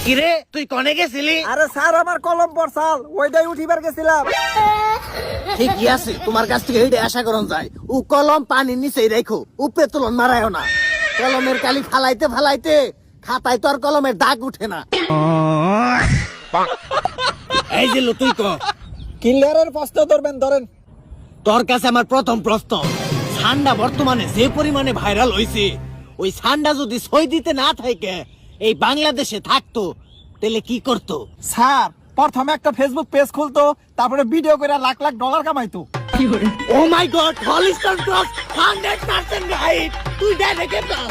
কিরে তুই কনে গেছিলি? আরে স্যার আমার কলম পড়ছাল ওইটাই উঠিবার গেছিলাম। ঠিকই আছে, তোমার কাছ থেকে এইটা আশা করন যায়। ও কলম পানির নিচেই রাখো, উপরে তুলন মারায়ও না। কলমের কালি ফালাইতে ফালাইতে খাতায় তো আর কলমের দাগ উঠে না। এই যে লো, তুই ক ক্লিয়ারের প্রশ্ন ধরবেন, ধরেন। তোর কাছে আমার প্রথম প্রশ্ন, ঠান্ডা বর্তমানে যে পরিমাণে ভাইরাল হইছে, ওই ঠান্ডা যদি সই দিতে না থাকে এই বাংলাদেশে থাকতো তাহলে কি করতো? স্যার প্রথমে একটা ফেসবুক পেজ খুলতো, তারপরে ভিডিও করে লাখ লাখ ডলার কামাইতো। ও মাই গড, হলিস্টার ক্রস 100% রাইট। তুই দেখে প্লাস।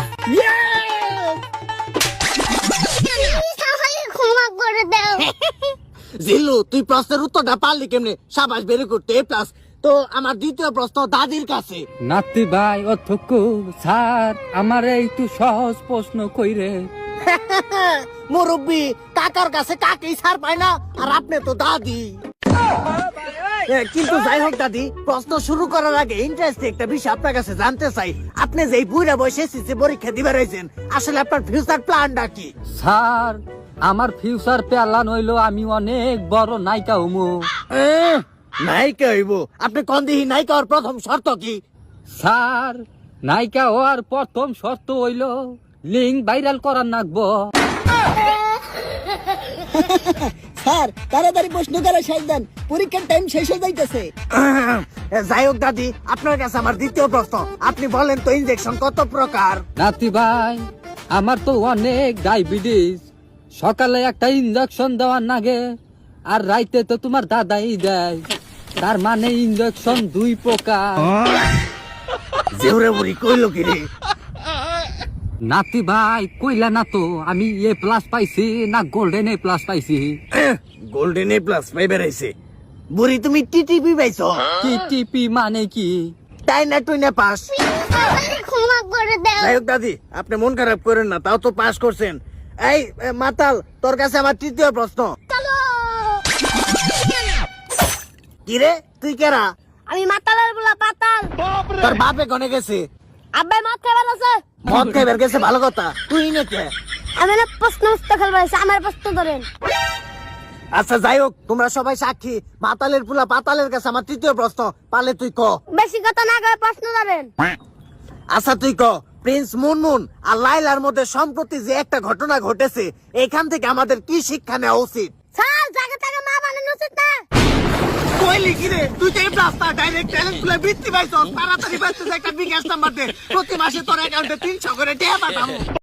ক্ষমা করে দাও। জিল্লু, তুই প্রশ্নের উত্তরটা পারলি কেমনে? সাবাস, ভেরি গুড, এ প্লাস। তো আমার দ্বিতীয় প্রশ্ন দাদির কাছে। নাতি ভাই অধ্যক্ষ স্যার আমার একটু সহজ প্রশ্ন কইরে। মুরব্বী কাকার কাছে কাকেই ছাড় পায় না, আর আপনি তো দাদি। কিন্তু যাই হোক দাদি, প্রশ্ন শুরু করার আগে ইন্টারেস্টিং একটা বিষয় আপনার কাছে জানতে চাই। আপনি যে বুড়া বয়সে এসএসসি পরীক্ষা দিবার রয়েছেন, আসলে আপনার ফিউচার প্ল্যানটা কি? স্যার আমার ফিউচার প্ল্যান হইলো আমি অনেক বড় নায়িকা হমু। নায়িকা হইব? আপনি কোন দিহি নায়িকা হওয়ার প্রথম শর্ত কি? স্যার নায়িকা হওয়ার প্রথম শর্ত হইলো লিঙ্ক ভাইরাল করার নাগবো। স্যার তাড়াতাড়ি প্রশ্ন করে শেষ দেন, পরীক্ষার টাইম শেষ হয়ে যাইতেছে। যাই হোক দাদি, আপনার কাছে আমার দ্বিতীয় প্রশ্ন, আপনি বলেন তো ইনজেকশন কত প্রকার? নাতি ভাই আমার তো অনেক ডায়াবেটিস, সকালে একটা ইনজেকশন দেওয়ার নাগে আর রাইতে তো তোমার দাদাই দেয়, তার মানে ইনজেকশন 2 প্রকার। জেউরে বুড়ি কইলো কি রে? নাতি ভাই কইলা না তো আমি এ প্লাস পাইছি না গোল্ডেন এ প্লাস পাইছি। গোল্ডেন এ প্লাস পাই বেড়াইছে। বুড়ি তুমি টিটিপি পাইছো? টিটিপি মানে কি? তাই না তুই না পাস? ক্ষমা করে দাও। যাই হোক দাদি, আপনি মন খারাপ করেন না, তাও তো পাস করছেন। এই মাতাল, তোর কাছে আমার তৃতীয় প্রশ্ন। কি রে তুই কেরা? আমি মাতালের বলা পাতাল। তোর বাপে গনে গেছে? আব্বাই মাছ খাবার আছে। মদ খাইবার গেছে, ভালো কথা। তুই না কে? আমি না প্রশ্ন উত্তর খেলবার আছে, আমার প্রশ্ন ধরেন। আচ্ছা যাই হোক, তোমরা সবাই সাক্ষী, মাতালের পুলা পাতালের কাছে আমার তৃতীয় প্রশ্ন, পালে তুই ক। বেশি কথা না কয়ে প্রশ্ন ধরেন। আচ্ছা তুই ক, প্রিন্স মুনমুন আর লাইলার মধ্যে সম্প্রতি যে একটা ঘটনা ঘটেছে, এখান থেকে আমাদের কি শিক্ষা নেওয়া উচিত? স্যার জায়গা থেকে মা বানানো উচিত না। কইলি কি রে? তুই তো এই রাস্তা ডাইরেক্ট ট্যালেন্ট গুলো বৃত্তি পাইছস, তাড়াতাড়ি পাইছিস একটা বিকাশ নাম্বার দে, প্রতি মাসে তোর অ্যাকাউন্টে 300 করে টাকা পাঠাবো।